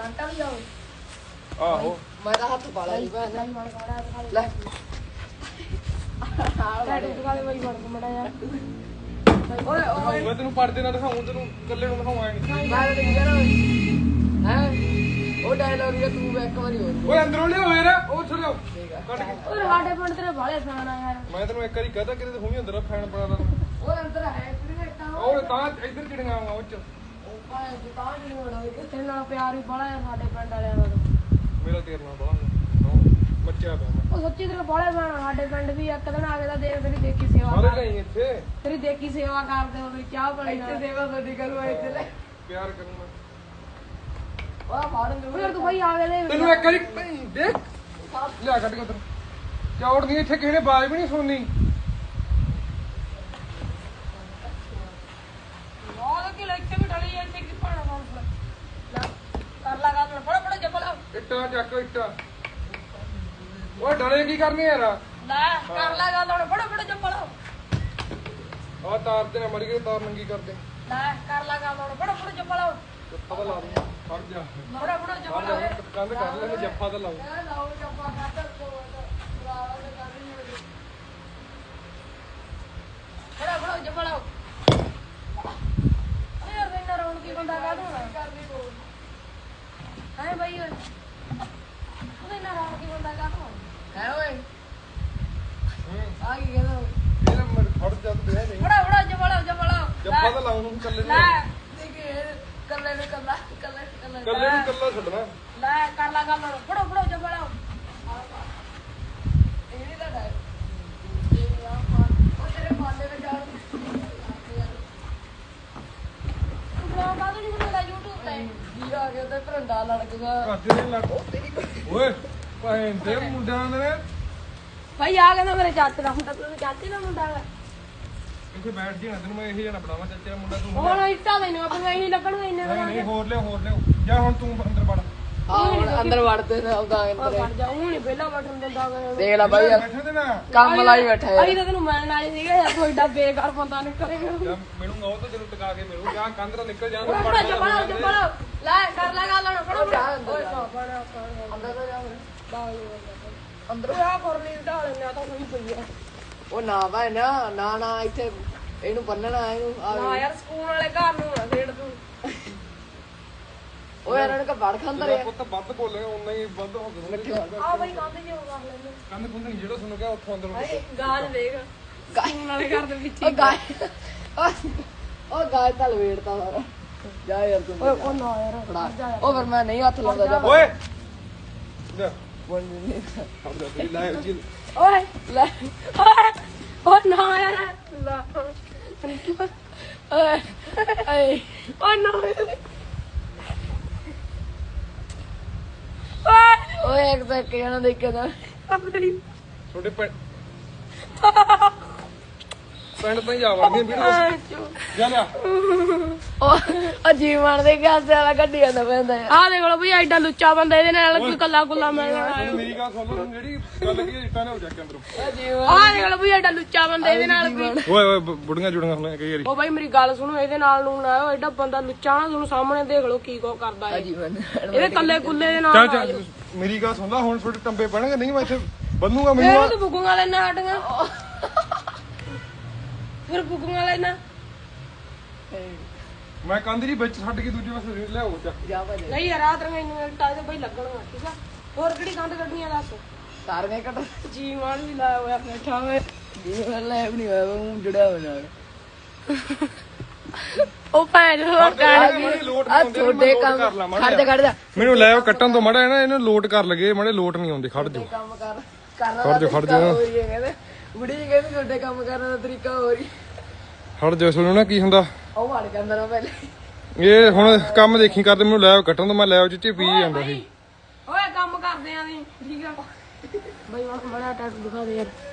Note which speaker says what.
Speaker 1: Current ਵਾਲੀ ਜਾਓ
Speaker 2: ਆਹੋ
Speaker 1: ਮੈਂ ਤਾਂ ਹੱਥ ਪਾ ਲਿਆ ਜੀ ਭੈਣ ਲੈ
Speaker 3: ਟੈਟੂ ਦਿਖਾ ਦੇ ਬਾਈ ਬਣ ਕੇ ਮੜਾ ਯਾਰ
Speaker 1: ਓਏ ਓਏ
Speaker 2: ਮੈਂ ਤੈਨੂੰ ਪੜਦੇ ਨਾਲ ਦਿਖਾਉਂ ਤੈਨੂੰ ਇਕੱਲੇ ਨੂੰ ਦਿਖਾਵਾਂ ਨਹੀਂ
Speaker 1: ਮੈਂ ਤਾਂ ਨਹੀਂ ਕਰਾਂ ਹੈ ਉਹ ਡਾਇਲੌਗ ਜਿਹੜਾ ਤੂੰ ਇੱਕ ਵਾਰੀ ਹੋਰ
Speaker 2: ਓਏ ਅੰਦਰੋਂ ਲਿਆਓ ਯਾਰ ਉਹ ਉੱਥੇ ਲਿਆਓ ਕੱਢ ਕੇ
Speaker 3: ਓਏ ਸਾਡੇ ਪਿੰਡ ਤੇਰੇ ਬਾਲੇ ਫੈਨ ਆ ਯਾਰ
Speaker 2: ਮੈਂ ਤੈਨੂੰ ਇੱਕ ਵਾਰੀ ਕਹਤਾ ਕਿਤੇ ਤੂੰ ਵੀ ਅੰਦਰ ਫੈਨ ਬਣਾ ਲਾ
Speaker 1: ਉਹ ਅੰਦਰ ਹੈ ਕ੍ਰਿਕਟ
Speaker 2: ਉਹ ਤਾਂ ਇੱਧਰ ਚਿੜੀਆਂ ਆਉਂਗਾ ਉਹ ਚ
Speaker 1: ਉਹ ਭਾਵੇਂ ਜਿੱਤਾ ਨਹੀਂ ਹੋਣਾ
Speaker 3: ਤੇਰੇ ਨਾਲ ਪਿਆਰ ਵੀ ਬੜਾ ਯਾਰ ਸਾਡੇ ਪਿੰਡ ਵਾਲਿਆਂ ਨਾਲ
Speaker 2: ਮੇਰਾ ਤੇਰੇ ਨਾਲ ਬੜਾ ਮੱਚਿਆ ਪਿਆ ਮੈਂ
Speaker 3: ਉਹ ਸੱਚੀ ਤੇਰੇ ਬਾਲੇ ਫੈਨ ਸਾਡੇ ਪਿੰਡ ਵੀ ਇੱਕ ਦਿਨ ਆ ਕੇ ਤਾਂ ਦੇਖ ਤੇਰੀ ਦੇਖੀ ਸੇਵਾ
Speaker 2: ਸਾਰੇ
Speaker 3: ਕਰ
Speaker 2: ਲਈ ਇੱਥੇ
Speaker 3: ਤੇਰੀ ਦੇਖੀ ਸੇਵਾ ਕਰਦੇ ਹੋ ਚਾਹ ਪਾਣੀ
Speaker 1: ਇੱਥੇ
Speaker 3: ਨਾਲ
Speaker 1: ਸੇਵਾ ਤੁਹਾਡੀ ਕਰਵਾ ਇੱਥੇ ਲੈ
Speaker 2: ਪਿਆਰ ਕਰੂੰਗਾ
Speaker 1: ਉਹ ਫਾੜਨ ਦੇ
Speaker 3: ਫਿਰ ਤੂੰ ਬਾਈ ਆ ਕੇ ਦੇਖ
Speaker 2: ਤੈਨੂੰ ਇੱਕ ਵਾਰੀ ਦੇਖ ਲਿਆ ਕੱਢ ਕੇ ਉਧਰ ਚੌੜ ਨਹੀਂ ਇੱਥੇ ਕਿਸੇ ਨੇ ਬਾਜ਼ ਵੀ ਨਹੀਂ ਸੁਣਨੀ
Speaker 3: ਉਹ ਕਿ ਇੱਥੇ ਵੀ ਢਲੀ ਇੱਥੇ ਕੀ ਪਾਣਾ ਫੋਨ ਕਰ ਲਗਾ ਤੂੰ ਫੜਾ ਫੜਾ ਜੱਪਲ
Speaker 2: ਇੱਟਾਂ ਚੱਕ ਇੱਟਾਂ ਓਏ ਡਲੇ ਕੀ ਕਰਨੇ ਯਾਰ
Speaker 3: ਲੈ ਕਰ ਲਗਾ ਤੂੰ ਫੜਾ ਫੜਾ ਜੱਪਲ
Speaker 2: ਆ ਤਾਰ ਤੇ ਨਾ ਮੜ ਗਈ ਤਾਰ ਨੰਗੀ ਕਰਦੇ
Speaker 3: ਲੈ ਕਰ ਲਗਾ ਤੂੰ ਫੜਾ ਫੜਾ ਜੱਪਲ
Speaker 2: ਪਤਾ ਲਾ ਦੂੰ ਫੜ ਜਾ
Speaker 3: ਫੜਾ ਫੜਾ
Speaker 2: ਫੜ
Speaker 3: ਜੱਪਲ
Speaker 2: ਜਾ ਕੰਧ ਕਰ ਲੈ ਜੱਫਾ ਤਾਂ ਲਾਉ
Speaker 1: ਲਾਓ ਜੱਪਾ ਕੱਢ
Speaker 3: ਫੜਾ ਫੜਾ ਜੱਪਲ ਯਾਰ ਮੈਨਾਂ ਰੌਣ ਕੀ ਬੰਦਾ ਕਾ ਦੂੰ ਹੈ ਬਾਈ ਓਏ ਉਹਦੇ ਨਾਲ ਰੌਣ ਕੀ ਬੰਦਾ ਕਾ ਦੂੰ
Speaker 1: ਹੈ ਓਏ
Speaker 2: ਹੂੰ
Speaker 1: ਆ ਕੀ ਕਹਿੰਦਾ
Speaker 2: ਇਹਨੇ ਮੜ ਫੜ ਜਾ ਤੂੰ ਦੇ ਨਹੀਂ
Speaker 3: ਫੜਾ ਫੜਾ ਜੱਪਲ ਜੱਪਲ
Speaker 2: ਜੱਫਾ ਤਾਂ ਲਾਉ ਨੂੰ ਕੱਲੇ
Speaker 3: ਲੈ
Speaker 1: ਦੇਖੇ ਕੱਲੇ ਨੂੰ ਕੱਲਾ ਕੱਲੇ
Speaker 2: ਕੱਲੇ ਨੂੰ ਕੱਲਾ ਛੱਡਣਾ
Speaker 3: ਲੈ ਕਰ ਲਗਾ ਤੂੰ ਫੜਾ ਫੜਾ ਜੱਪਲ
Speaker 1: ਇਹ ਨਹੀਂ ਲੜਾ ਇਹ ਆ ਉਹ ਤੇਰੇ ਮਾਲੇ ਵਿੱਚ ਜਾ
Speaker 3: ਬਲੌਗ ਆ ਨਹੀਂ ਬਣਾਉਂਦਾ YouTube ਤੇ
Speaker 1: ਜੀ ਆ ਗਿਆ ਤੇ ਭਰੰਡਾ ਲੜਕਦਾ
Speaker 2: ਘਰ ਦੇ ਲੱਗ ਓਏ ਭਾਵੇਂ ਤੇ ਮੁੰਡਿਆਂ ਦੇ
Speaker 3: ਭਾਈ ਆ ਕਹਿੰਦਾ ਮੇਰੇ ਚਾਚੇ ਦਾ ਮੁੰਡਾ ਤੂੰ ਚਾਚੇ ਦਾ ਮੁੰਡਾ ਹੈ
Speaker 2: ਇੱਥੇ ਬੈਠ ਜੀ ਨਾ ਤੈਨੂੰ ਮੈਂ ਇਹੀ ਜਣਾ ਬਣਾਵਾਂ ਚਾਚੇ ਦਾ ਮੁੰਡਾ ਤੂੰ
Speaker 3: ਹੁਣ ਇੱਟਾਂ ਮੈਨੂੰ ਆਪਣੀਆਂ ਹੀ ਲੱਗਣਗੀਆਂ ਇੰਨੇ
Speaker 2: ਨਹੀਂ ਨਹੀਂ ਹੋਰ ਲਿਓ ਜਾ ਹੁਣ ਤੂੰ ਅੰਦਰ ਵੜ
Speaker 1: ਆ ਹੁਣ ਅੰਦਰ ਵੜਦੇ ਨੇ ਉਹਦਾ
Speaker 3: ਉਹ
Speaker 1: ਅੰਦਰ
Speaker 3: ਫੜ ਜਾ ਉਹ ਨਹੀਂ ਪਹਿਲਾਂ ਬਟਨ ਦਿੰਦਾ ਮੈਨੂੰ
Speaker 1: ਦੇਖ ਲੈ ਬਾਈ
Speaker 2: ਬੈਠੇ ਤੇ ਨਾ
Speaker 1: ਕੰਮ ਲਾਈ ਬੈਠਾ ਹੈ
Speaker 3: ਅਸੀਂ ਤਾਂ ਤੈਨੂੰ ਮਿਲਣ ਆਏ ਸੀਗੇ ਯਾਰ ਕੋਈ ਏਡਾ ਬੇਕਾਰ ਬੰਦਾ ਨਹੀਂ ਕਰੇਗਾ
Speaker 2: ਜਾਂ ਮਿਲੂੰਗਾ ਉਹ ਤਾਂ ਤੈਨੂੰ ਟਿਕਾ ਕੇ ਮਿਲੂ ਜਾਂ ਕੰਧ ਤੋਂ ਨਿਕਲ ਜਾ
Speaker 3: ਫੜਾ ਜਪੜਾ ਜਪੜਾ ਲੈ ਕਰ ਲਗਾ ਲੈਣਾ ਫੜਾ
Speaker 1: ਜਾ
Speaker 3: ਫੜਾ
Speaker 1: ਅੰਦਰ ਜਾ।
Speaker 3: ਫੜਾ
Speaker 1: ਅੰਦਰ ਤਾਂ ਜਾ
Speaker 3: ਅੰਦਰ ਆ ਕਰਨੀ ਢਾਲ ਨੇ ਤਾਂ ਕੋਈ ਪਈ ਆ
Speaker 1: ਉਹ ਨਾ ਭਾਈ ਨਾ ਇੱਥੇ ਇਹਨੂੰ ਬੰਨਣਾ ਇਹਨੂੰ
Speaker 3: ਨਾ ਯਾਰ ਸਕੂਲ ਵਾਲੇ ਘਰ ਨੂੰ ਨਾ ਛੇੜ ਤੂੰ
Speaker 1: ਉਹ ਯਾਰ ਇਹਨਾਂ ਵੜ ਖਾਂਦਾ ਰਿਹਾ
Speaker 2: ਪੁੱਤ ਵੱਧ ਬੋਲੇਗਾ ਉਨਾ ਹੀ ਵੱਧ ਹੋ ਗਿਆ
Speaker 3: ਆ ਬਈ ਕੰਧ ਜਿਹਾ ਕਰ ਲੈਂਦੇ
Speaker 2: ਕੰਧ ਕੁੰਧ ਨਹੀਂ ਜਿਹੜਾ ਸੁਣ ਗਿਆ ਉੱਥੋਂ ਅੰਦਰ ਵੜ।
Speaker 3: ਗਾਲ ਵੇਖ ਸਕੂਲ ਵਾਲੇ ਘਰ ਦੇ ਵਿੱਚ
Speaker 1: ਉਹ ਗਾਇ ਉਹ ਗਾਇ ਤਾਂ ਲਵੇੜਤਾ ਸਾਰਾ ਜਾ ਯਾਰ ਤੂੰ
Speaker 3: ਓਏ ਉਹ ਨਾ ਯਾਰ
Speaker 1: ਫੜਾ ਉਹ ਫਿਰ ਮੈਂ ਨਹੀਂ ਹੱਥ ਲਾਉਂਦਾ ਜਾ
Speaker 2: ਓਏ ਜਾ
Speaker 1: ਬੋਲ ਨਹੀਂ
Speaker 2: ਖੜ ਜਾ ਤੇਰੀ ਲਾਈਵ ਜੀ
Speaker 3: ਓਏ
Speaker 1: ਲੈ
Speaker 3: ਓਏ ਓ ਨਾ ਯਾਰ ਲਾ
Speaker 1: ਓਏ ਏ
Speaker 3: ਓ ਨਾ ਓਏ
Speaker 1: ਓਏ ਇੱਕ ਤਾਂ ਇੱਕ ਜਣਾ ਦੇਖਿਆ ਤਾਂ
Speaker 3: ਆਪਣੀ
Speaker 2: ਤੁਹਾਡੇ ਪਿੰਡ ਤੋਂ ਹੀ ਆ ਵੜਦੀਆਂ ਵੀਡੀਓ ਜਾ ਲਿਆ
Speaker 1: ਉਹ ਜੀਵਨ ਦੇ ਗਾਸ ਵਾਲਾ ਗੱਡੀ ਜਾਂਦਾ ਪੈਂਦਾ ਯਾਰ
Speaker 3: ਆ ਦੇਖ ਲੋ ਬਈ ਐਡਾ ਲੁੱਚਾ ਬੰਦਾ ਇਹਦੇ ਨਾਲ ਕੋਈ ਕੱਲਾ ਕੁੱਲਾ ਮਿਲਣਾ
Speaker 2: ਤੁਹਾਨੂੰ ਮੇਰੀ ਗੱਲ ਸੁਣ ਲਓ ਜਿਹੜੀ ਗੱਲ ਕੀ ਇੱਟਾਂ ਨੇ ਹੋ ਜਾ ਕੇ ਅੰਦਰੋਂ
Speaker 1: ਉਹ ਜੀਵਨ
Speaker 3: ਆ ਦੇਖ ਲੋ ਬਈ ਐਡਾ ਲੁੱਚਾ ਬੰਦਾ ਇਹਦੇ ਨਾਲ ਕੋਈ
Speaker 2: ਓਏ ਓਏ ਬੁੜੀਆਂ ਜੁੜੀਆਂ ਹੁੰਦੀਆਂ ਕਈ ਵਾਰੀ
Speaker 3: ਉਹ ਬਾਈ ਮੇਰੀ ਗੱਲ ਸੁਣੋ ਇਹਦੇ ਨਾਲ ਨੂੰ ਨਾ ਆਇਓ ਐਡਾ ਬੰਦਾ ਲੁੱਚਾ ਨਾ ਤੁਹਾਨੂੰ ਸਾਹਮਣੇ ਦੇਖ ਲੋ ਕੀ ਕੋ ਕਰਦਾ ਹੈ
Speaker 1: ਜੀਵਨ
Speaker 3: ਇਹਦੇ ਕੱਲੇ ਕੁੱਲੇ ਦੇ ਨਾਲ
Speaker 2: ਚੱਲ
Speaker 3: ਨਾ ਆਇਓ।
Speaker 2: ਚੱਲ ਮੇਰੀ ਗੱਲ ਸੁਣ ਲਾ ਹੁਣ ਤੁਹਾਡੇ ਟੰਬੇ ਪੈਣਗੇ ਨਹੀਂ ਮੈਂ ਇੱਥੇ ਬੰਨੂਗਾ
Speaker 3: ਇਹਨੂੰ
Speaker 2: ਮੈਨੂੰ
Speaker 3: ਤਾਂ ਬੁੱਗੂਆਂ ਲੈਣਾ ਹਟੀਆਂ ਫਿਰ ਬੁੱਗੂਆਂ ਲੈਣਾ
Speaker 2: ਮੈਂ ਕੰਧ ਦੀ ਵਿੱਚ ਛੱਡ ਕੇ ਦੂਜੇ ਪਾਸੇ ਲਿਆਓ ਚੱਕ
Speaker 1: ਜਾ ਭਾਜੀ
Speaker 3: ਨਹੀਂ ਯਾਰ ਰਾਤ ਨੂੰ ਇਹਨੂੰ ਟਾਈ ਤੇ ਬਈ ਲੱਗਣਗਾ ਠੀਕ ਆ ਹੋਰ ਕਿਹੜੀ ਗੰਦ ਕੱਢਣੀਆਂ ਦੱਸ
Speaker 1: ਸਾਰੀਆਂ ਕੱਟ
Speaker 3: ਜੀ ਮਾਨ ਵੀ ਲਾਇਆ ਹੋਇਆ ਬੈਠਾ ਵੇ
Speaker 1: ਜੀਵਨ ਲੈ ਵੀ ਨਹੀਂ ਹੋਇਆ ਉਹ ਜੁੜਿਆ ਹੋਇਆ ਨਾਲ
Speaker 3: ਉਹ ਭੈਣ ਹੋਰ
Speaker 1: ਆ ਤੁਹਾਡੇ ਕੰਮ ਖੜ ਜਾ
Speaker 2: ਮੈਨੂੰ ਲੈ ਉਹ ਕੱਟਣ ਤੋਂ ਮੜਾ ਨਾ ਇਹਨੂੰ ਲੋਟ ਕਰ ਲਗੇ ਮੜੇ ਲੋਟ ਨਹੀਂ ਆਉਂਦੇ ਖੜ ਜਾ
Speaker 1: ਕੰਮ ਕਰ
Speaker 2: ਜਾ।
Speaker 1: ਹੋ ਰਹੀ ਹੈ ਕਹਿੰਦੇ ਬੁੜੀ ਜੀ ਕਹਿੰਦੀ ਤੁਹਾਡੇ ਕੰਮ ਕਰਨ ਦਾ ਤਰੀਕਾ ਹੋ ਰਹੀ
Speaker 2: ਖੜ ਜਾ ਸੁਣੋ ਨਾ ਕੀ ਹੁੰਦਾ
Speaker 1: ਉਹ ਵੜ ਜਾਂਦਾ ਨਾ ਪਹਿਲੇ
Speaker 2: ਇਹ ਹੁਣ ਕੰਮ ਦੇਖੀ ਕਰਦੇ ਮੈਨੂੰ ਲੈ ਉਹ ਕੱਟਣ ਤੋਂ ਮੈਂ ਲੈ ਉਹ ਚਿੱਟੇ ਪੀ ਜਾਂਦਾ ਸੀ
Speaker 3: ਓਏ ਕੰਮ ਕਰਦੇ ਆਂ ਦੀ ਠੀਕ ਆ ਬਈ ਹੁਣ ਬੜਾ ਟੈਟ ਦਿਖਾ ਦੇ ਯਾਰ